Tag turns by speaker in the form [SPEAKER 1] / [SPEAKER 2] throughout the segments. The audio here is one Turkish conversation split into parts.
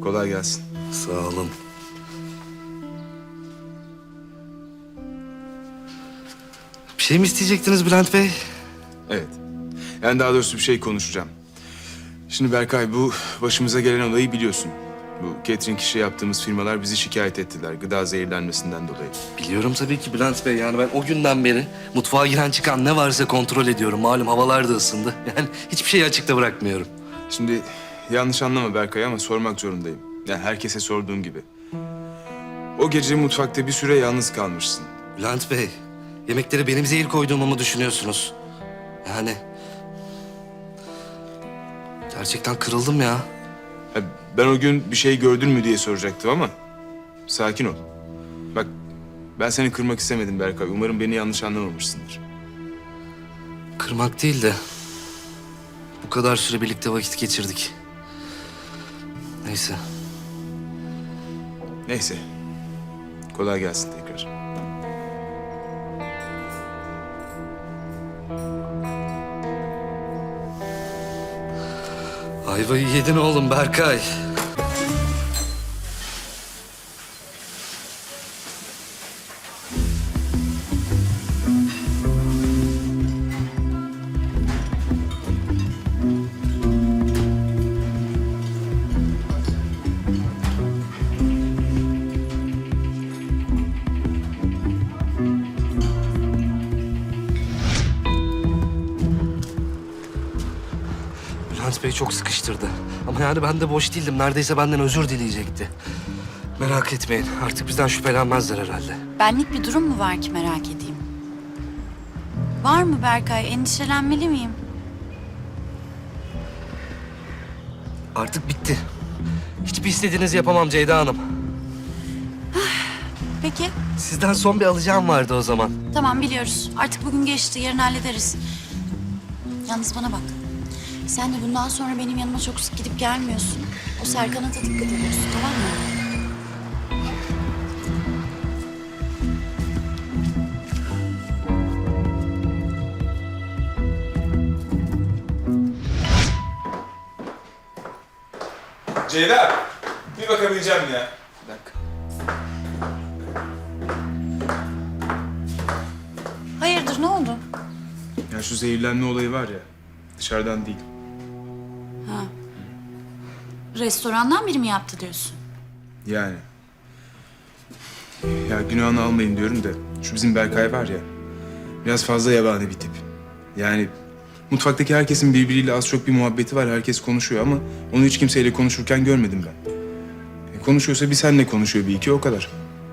[SPEAKER 1] Kolay gelsin.
[SPEAKER 2] Sağ olun. Bir şey mi isteyecektiniz Bülent Bey?
[SPEAKER 1] Evet. Yani daha doğrusu bir şey konuşacağım. Şimdi Berkay, bu başımıza gelen olayı biliyorsun. Bu catering işi yaptığımız firmalar bizi şikayet ettiler gıda zehirlenmesinden dolayı.
[SPEAKER 2] Biliyorum tabii ki Bülent Bey. Yani ben o günden beri mutfağa giren çıkan ne varsa kontrol ediyorum. Malum havalar da ısındı. Yani hiçbir şeyi açıkta bırakmıyorum.
[SPEAKER 1] Şimdi yanlış anlama Berkay ama sormak zorundayım. Yani herkese sorduğum gibi. O gece mutfakta bir süre yalnız kalmışsın.
[SPEAKER 2] Bülent Bey, yemeklere benim zehir koyduğumu mu düşünüyorsunuz? Yani... Gerçekten kırıldım ya.
[SPEAKER 1] Ha, ben o gün bir şey gördün mü diye soracaktım ama sakin ol. Bak, ben seni kırmak istemedim Berkay. Umarım beni yanlış anlamamışsındır.
[SPEAKER 2] Kırmak değil de... Bu kadar süre birlikte vakit geçirdik. Neyse.
[SPEAKER 1] Neyse. Kolay gelsin tekrar.
[SPEAKER 2] Ayvayı yedin oğlum Berkay. Bülent Bey çok sıkıştırdı. Ama yani ben de boş değildim. Neredeyse benden özür dileyecekti. Merak etmeyin. Artık bizden şüphelenmezler herhalde.
[SPEAKER 3] Benlik bir durum mu var ki merak edeyim? Var mı Berkay? Endişelenmeli miyim?
[SPEAKER 2] Artık bitti. Hiçbir istediğinizi yapamam Ceyda Hanım.
[SPEAKER 3] Peki.
[SPEAKER 2] Sizden son bir alacağım vardı o zaman.
[SPEAKER 3] Tamam biliyoruz. Artık bugün geçti. Yarın hallederiz. Yalnız bana bak. Sen de bundan sonra benim yanıma çok sık gidip gelmiyorsun. O Serkan'a da dikkat ediyorsun, tamam mı?
[SPEAKER 1] Ceyda, bir bakabileceğim ya.
[SPEAKER 2] Bir dakika.
[SPEAKER 3] Hayırdır, ne oldu?
[SPEAKER 1] Ya şu zehirlenme olayı var ya, dışarıdan değil.
[SPEAKER 3] Ha. Restorandan biri mi yaptı diyorsun?
[SPEAKER 1] Yani. Ya günahını almayın diyorum da, şu bizim Berkay var ya, biraz fazla yabani bir tip. Yani mutfaktaki herkesin birbiriyle az çok bir muhabbeti var, herkes konuşuyor ama onu hiç kimseyle konuşurken görmedim ben. Konuşuyorsa bir seninle konuşuyor bir iki, o kadar.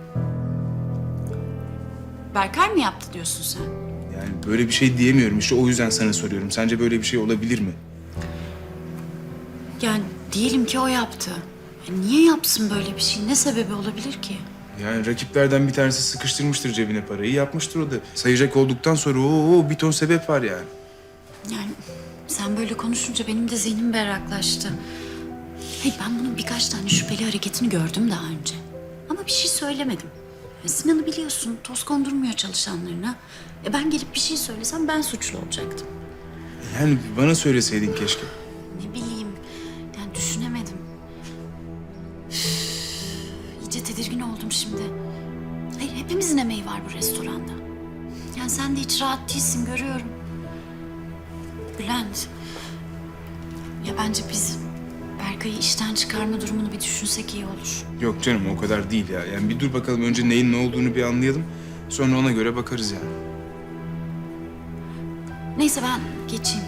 [SPEAKER 3] Berkay mı yaptı diyorsun sen?
[SPEAKER 1] Yani böyle bir şey diyemiyorum işte, o yüzden sana soruyorum. Sence böyle bir şey olabilir mi?
[SPEAKER 3] Yani diyelim ki o yaptı. Niye yapsın böyle bir şey? Ne sebebi olabilir ki?
[SPEAKER 1] Yani rakiplerden bir tanesi sıkıştırmıştır cebine parayı, yapmıştır o da. Sayacak olduktan sonra bir ton sebep var yani.
[SPEAKER 3] Yani sen böyle konuşunca benim de zihnim berraklaştı. Hey, ben bunun birkaç tane şüpheli hareketini gördüm daha önce. Ama bir şey söylemedim. Sinan'ı biliyorsun, toz kondurmuyor çalışanlarına. Ben gelip bir şey söylesem ben suçlu olacaktım.
[SPEAKER 1] Yani bana söyleseydin keşke.
[SPEAKER 3] Ne bileyim, yani düşünemedim. Üf, İyice tedirgin oldum şimdi. Hayır, hepimizin emeği var bu restoranda. Yani sen de hiç rahat değilsin, görüyorum. Bülent, ya bence biz Berkay'ı işten çıkarma durumunu bir düşünsek iyi olur.
[SPEAKER 1] Yok canım, o kadar değil ya. Yani bir dur bakalım, önce neyin ne olduğunu bir anlayalım. Sonra ona göre bakarız yani.
[SPEAKER 3] Neyse ben geçeyim.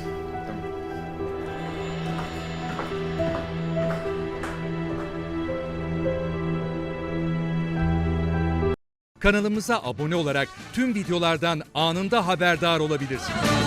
[SPEAKER 4] Kanalımıza abone olarak tüm videolardan anında haberdar olabilirsiniz.